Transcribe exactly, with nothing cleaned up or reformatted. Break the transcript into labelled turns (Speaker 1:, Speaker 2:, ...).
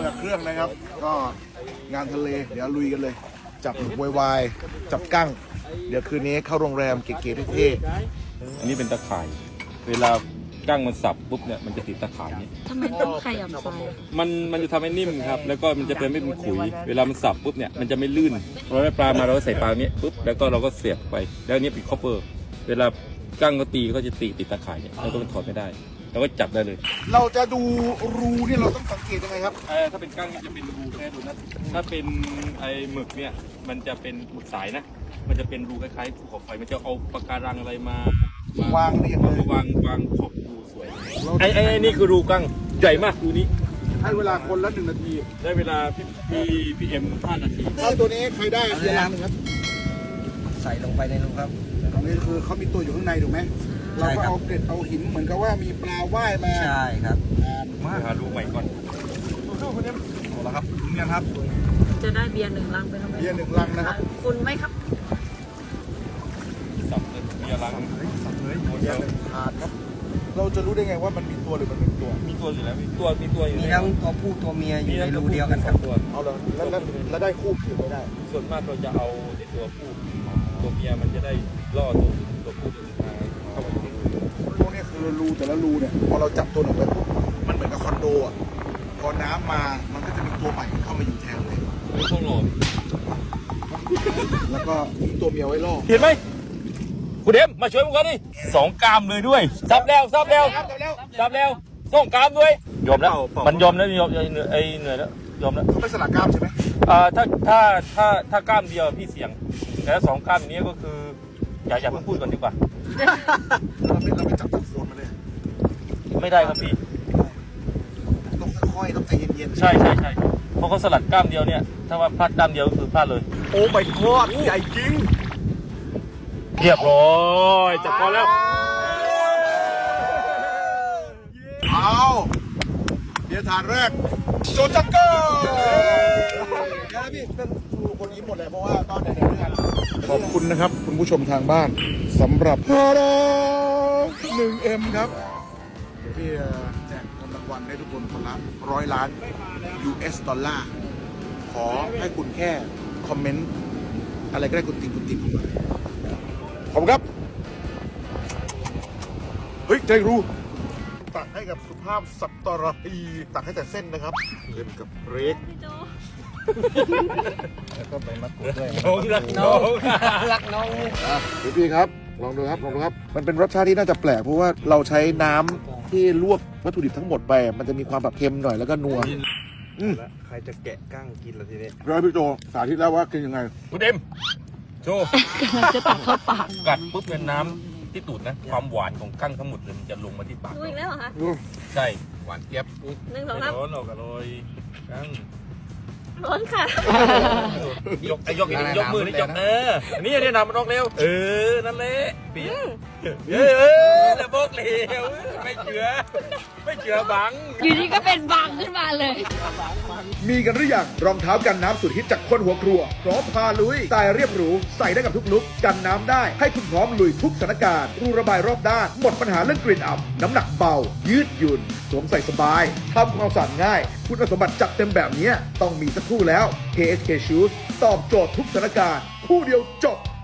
Speaker 1: จากเครื่องนะครับก็งานทะเลเดี๋ยวลุยกันเลยจับหมึกวายจับกั้งเดี๋ยวคืนนี้เข้าโรงแรมเก๋ๆเท่
Speaker 2: อันนี้เป็นตะข่าย เวลากั้งมันสับปุ๊บเนี่ยมันจะติดตะข่ายเนี่ย
Speaker 3: ทำไมต้องขยับไฟ
Speaker 2: มันมันจะทำให้นิ่มครับแล้วก็มันจะเป็นไม่เป็นขุยเวลามันสับปุ๊บเนี่ยมันจะไม่ลื่นเราได้ปลามาเราก็ใส่ปลาเนี้ยปุ๊บแล้วก็เราก็เสียบไปแล้วอันนี้เป็นคอปเปอร์เวลากั้งก็ตีก็จะตีติดตะข่ายเนี่ยแล้วก็มันถอดไม่ได้เราก็จับได้เลย
Speaker 1: ๆเราจะดูรูเนี่ยเราต้องสังเกตยังไงครับ
Speaker 2: เออถ้าเป็นกั้งนี่จะเป็นรูแค่ดูนะถ้าเป็นไอ้หมึกเนี่ยมันจะเป็นหมึกสายนะมันจะเป็นรูคล้ายๆภูเขาไฟมันจะเอาปะการังอะไรมาว
Speaker 1: างเรียงเลย
Speaker 2: วางวางขอบรูสวยไอ้ไอ้ไอ้นี่คือรูกั้งใหญ่มากรูนี้
Speaker 1: ให้เวลาคนละหนึ่งนาที
Speaker 2: ได้เวลาพี่พี่พี่เอ็มห้านาที
Speaker 1: ถ้าตัวนี้ใครได้เพียร์ละหนึ่งครับ
Speaker 4: ใส่ลงไปในรูครับ
Speaker 1: ตรงนี้คือเขามีตัวอยู่ข้างในถูกไหมเราก็เอาเกล็ดเอาหินเหมือนกับว่ามีปลาว่ายมา
Speaker 4: ใช่ครับ
Speaker 1: อ่า
Speaker 2: มาหารูใหม่ก่อน
Speaker 1: เอาละครับเนี่ยครับ
Speaker 3: จะได้เบียร์หนึ่งลังไปทำไม
Speaker 1: เบียร์หนึ่งลังนะครับ
Speaker 3: คุณไหมครับ
Speaker 2: สับเลยเบียร์ลัง
Speaker 1: สับเลยเบียร์หนึ่งถาดครับ เราจะรู้ได้ไงว่ามันมีตัวหรือมันไม่มีตัว
Speaker 2: มีตัวอยู่แล้วมีตัวมีตัวอยู่
Speaker 4: มี
Speaker 2: แล้ว
Speaker 4: ทั้งตัวผู้ตัวเมียอยู่ในรูเดียวกันครับ
Speaker 2: ตัว
Speaker 1: เอาเลยแล้วแล้วแล้วได้คู่หรือไม่ได้
Speaker 2: ส่วนมากเราจะเอาในตัวผู้ตัวเมียมันจะได้ล่อตัวตัวผู้ตัวสุดท้ายเข้ามาอยู่ในรู
Speaker 1: พวกนี้คือรูแต่ละรูเนี่ยพอเราจับตัวหนึ่งไปปุ๊บมันเหมือนกับคอนโดอ่ะพอน้ำมามันก็จะมีตัวใหม่เข้ามาอยู่แทนเลย
Speaker 2: ไม่ต้องหลอก
Speaker 1: แล้วก็มีตัวเมียไว้ล่อ
Speaker 2: เห็นไหมคุณเอ็มมาช่วยผมก่อนดิสองกรามเลยด้วยซับแล้วซับแล้วซับแล้วสองกรามด้วยยอมแล้วมันยอมแล้วยอมไอ้เหนื่อยแล้วยอมแล้ว
Speaker 1: เขาไม่สลักกล้ามใช่ไหม
Speaker 2: อ่าถ้าถ้าถ้าถ้ากล้ามเดียวพี่เสี่ยง แต่ถ้าสองกล้ามนี้ก็คือ อย่าอย่าเพิ่งพูดก่อนดีกว่า
Speaker 1: เราไม่เราไม่จับจับโซนมาเลย
Speaker 2: ไม่ได้ครับพี่
Speaker 1: ต้องค่อยๆต้องใจเย็นๆ
Speaker 2: ใช่ใช่ใช่เพราะเขาสลัดกล้ามเดียวเนี่ยถ้าว่าพลาดกล้ามเดียวก็คือพลาดเลย
Speaker 1: โอ้ไม่กอดใหญ่จริง
Speaker 2: เรียบร้อยจับพอแล้ว
Speaker 1: เอาเดี๋ยวฐานแรกโจจังเกอร์นะพี่เป็นครูคนยิ้มหมดเลยเพราะว่าตอนไหนๆด้วยกันขอบคุณนะครับคุณผู้ชมทางบ้านสำหรับฮาราหนึ่งเอ็มครับเดี๋ยวพี่แจกเงินรางวัลให้ทุกคนคนละร้อยล้าน ยู เอส ดอลลาร์ขอให้คุณแค่คอมเมนต์อะไรก็ได้คุณติงคุณติงเข้ามาขอบคุณครับ เฮ้ยใจรู้ตักให้กับสุภาพสัตตราตีตักให้แต่เส้นนะครับเล่นกับเบรก
Speaker 3: พี่โจ
Speaker 1: แล้วก็ใบมะกรูดด้วย
Speaker 2: น้องรักน้อง
Speaker 4: รักน้อง
Speaker 1: เดี๋ยวพี่ครับลองดูครับลองดูครับ มันเป็นรสชาติที่น่าจะแปลกเพราะว่าเราใช้น้ำที่ลวกวัตถุดิบทั้งหมดไป มันจะมีความแบบเค็มหน่อยแล้วก็นัวอืม
Speaker 5: ใครจะแกะกั้งกินล่ะทีนี้
Speaker 1: แล้วพี่โจสาธิตแล้วว่ากินยังไง
Speaker 2: คุณเอ็มโชว์
Speaker 3: กำลังจะตักเข้าปาก
Speaker 2: กัดปุ๊บเป็นน้ำที่ตูดนะ ความหวานของกั้งทั้งหมดเลยมันจะลงมาที่ปาก
Speaker 3: ดูอีกแล้วเหรอคะ
Speaker 2: ใช่หวานเจี๊ยบ
Speaker 3: หนึ่งสองสาม
Speaker 2: ร้อนออกอร่อยกั้ง
Speaker 3: ร้อนค่ะ
Speaker 2: ยกไอ้ยกอีกยกมือนี่ยกเออนี่เนี่ยนำมันออกเร็วเออนั่นแหละเปียเออเออแล้วบอกเร็วไม่เชื่อไม่เชื่อบัง
Speaker 3: อยู่ดีก็เป็นบังขึ้นมาเลย
Speaker 1: มีกันหรือยังรองเท้ากันน้ำสุดฮิตจากคนหัวครัวพร้อมพาลุยสไตล์เรียบหรูใส่ได้กับทุกลุกกันน้ำได้ให้คุณพร้อมลุยทุกสถานการณ์รูระบายรอบด้านหมดปัญหาเรื่องกลิ่นอับน้ำหนักเบา ยืดหยุ่นสวมใส่สบายทำความสะอาดง่าย คุณสมบัติจัดเต็มแบบนี้ต้องมีสักคู่แล้ว เค เอส เค Shoes ตอบโจทย์ทุกสถานการณ์คู่เดียวจบ